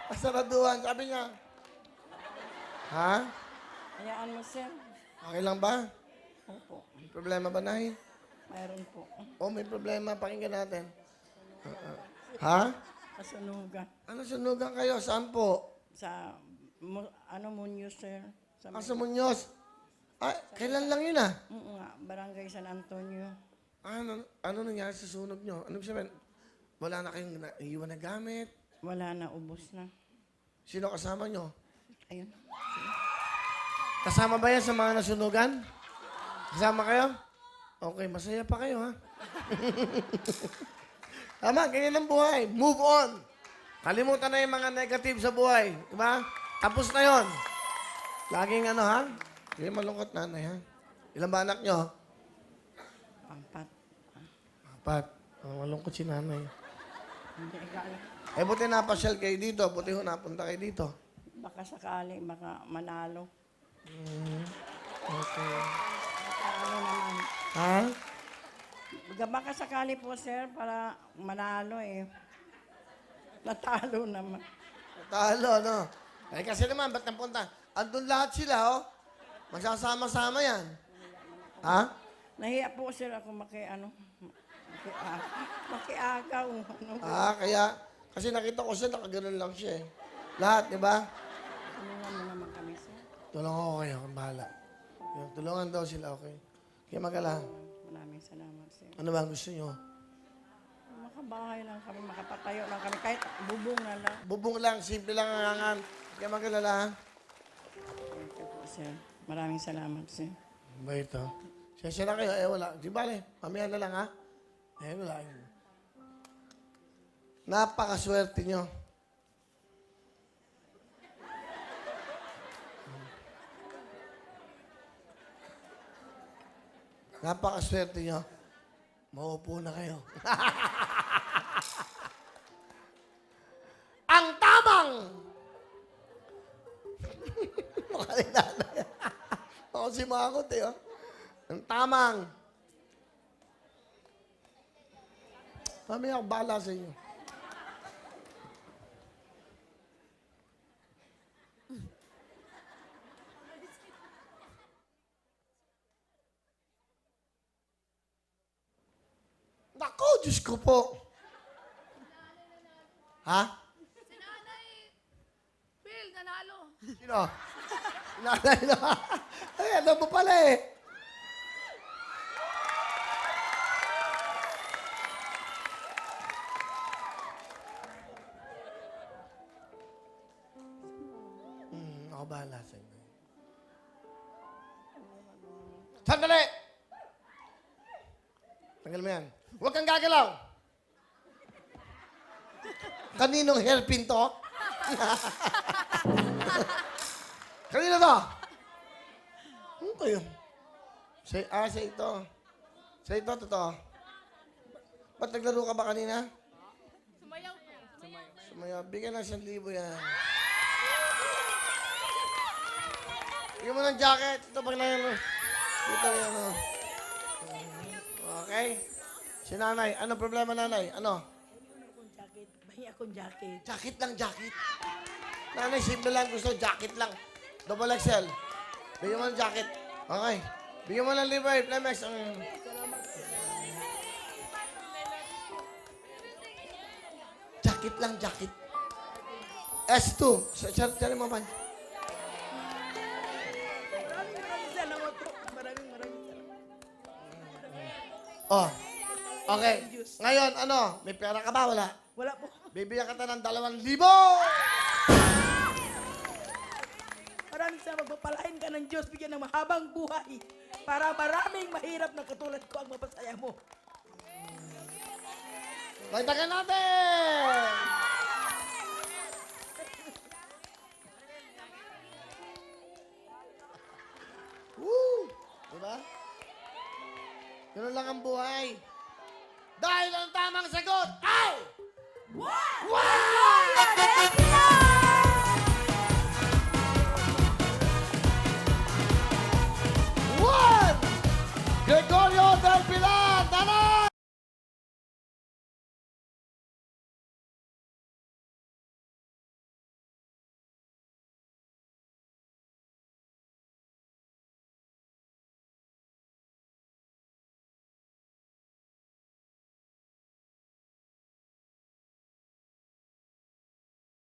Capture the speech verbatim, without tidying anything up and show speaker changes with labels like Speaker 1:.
Speaker 1: Kasaraduhan, sabi niya. Ha?
Speaker 2: Hayaan mo, sir.
Speaker 1: Okay lang ba?
Speaker 2: Opo.
Speaker 1: May problema ba, Nay?
Speaker 2: Mayroon po.
Speaker 1: Oh, may problema. Pakinggan natin. Uh, uh. Ha?
Speaker 2: Kasunugan.
Speaker 1: Ano sunugan kayo? Saan po?
Speaker 2: Sa, mo, ano mo news, sir? Sa,
Speaker 1: Ah, sa Muñoz. Ah, kailan lang yun ah?
Speaker 2: Oo nga, Barangay San Antonio.
Speaker 1: Ah, ano, ano nangyari sa sunog nyo? Ano sabihin? Wala na kayong na, iwan na gamit?
Speaker 2: Wala na, ubos na.
Speaker 1: Sino kasama nyo?
Speaker 2: Ayun.
Speaker 1: Kasama ba yan sa mga nasunugan? Kasama kayo? Okay, masaya pa kayo ha? Tama, ganyan ang buhay. Move on. Kalimutan na yung mga negative sa buhay. Diba? Tapos na yon. Laging ano ha? Hindi malungkot nanay ha? Ilan ba anak nyo?
Speaker 2: Apat.
Speaker 1: Apat. Oh, malungkot si nanay.
Speaker 2: Hindi, ikala.
Speaker 1: Eh, buti napasyal kayo dito. Buti ho napunta kayo dito.
Speaker 2: Baka sakali, baka manalo.
Speaker 1: Mm, okay.
Speaker 2: Baka ano naman.
Speaker 1: Ha?
Speaker 2: Baka, baka sakali po, sir, para manalo eh. Natalo naman.
Speaker 1: Talo, no? Eh, kasi naman, ba't napunta? Andun lahat sila, oh. Magsasama-sama yan. Ha?
Speaker 2: Nahiya po, sir, ako maki, ano, makiagaw. Makiagaw. Ano,
Speaker 1: Ah, kaya, kasi nakita ko siya, nakaganon lang siya eh. Lahat, di ba?
Speaker 2: tulungan mo naman kami, sir.
Speaker 1: Tulungan ko kayo, kung bahala. Yun, tulungan daw sila, okay? Kaya magala.
Speaker 2: Maraming salamat, sir.
Speaker 1: Ano ba ang gusto nyo?
Speaker 2: Makabahay lang kami, makapatayo lang kami, kahit bubong na lang.
Speaker 1: Bubong lang, simple lang ang hangan. Kaya magalala, ha?
Speaker 2: Thank you po, sir. Maraming salamat, sir.
Speaker 1: Ba ito? Siyasya na kayo, eh wala. Di bale, mamaya na lang, ha? Eh wala. Napakaswerte nyo. Napakaswerte nyo. Maupo na kayo. Ang tamang! Makalinala yan. Ako si Makot eh, oh. Ang tamang. Mamaya ako bahala sa inyo. Naku, Diyos ko po. Ha?
Speaker 3: Si Nanay Phil, nanalo.
Speaker 1: Sino? Nanay na. Ay, ano mo pala eh. Hmm, ako bahala sa inyo. Sandali! Tanggal mo yan. Huwag kang gagalaw. Kaninong hairpin to? Kanino to? Ano kayo? Sa, ah, sa ito. Sa ito, totoo. Ba't naglaro ka ba kanina?
Speaker 3: Sumayaw po.
Speaker 1: Sumaya, bigyan ng isang libo yan. Bigyan mo ng jacket. Ito pag na Ito yan, ano. Okay? Si nanay. Ano problema, nanay? Ano?
Speaker 2: Akong jacket, bahi akong jacket.
Speaker 1: Jacket lang, jacket. Nanay, simple lang gusto. Jacket lang. Double X L. Bigyan mo ng jacket. Okay. Bigyan mo ng Levi, Flemex. Ang... Jacket lang, jacket. S two. Sari mo man.
Speaker 2: Maraming maraming salamat po. Maraming maraming salamat.
Speaker 1: Oh. Okay. Ngayon, ano? May pera ka ba? Wala.
Speaker 2: Wala po.
Speaker 1: Bibigyan ka ta ng dalawang libo!
Speaker 2: Maraming salamat. Magpapalain ka ng Diyos. Bigyan ng mahabang buhay. Para maraming mahirap na katulad ko ang mapasaya mo.
Speaker 1: Dagdagan natin! Woo! Diba? Ganun lang ang buhay. Dahil ang tamang sagot ay...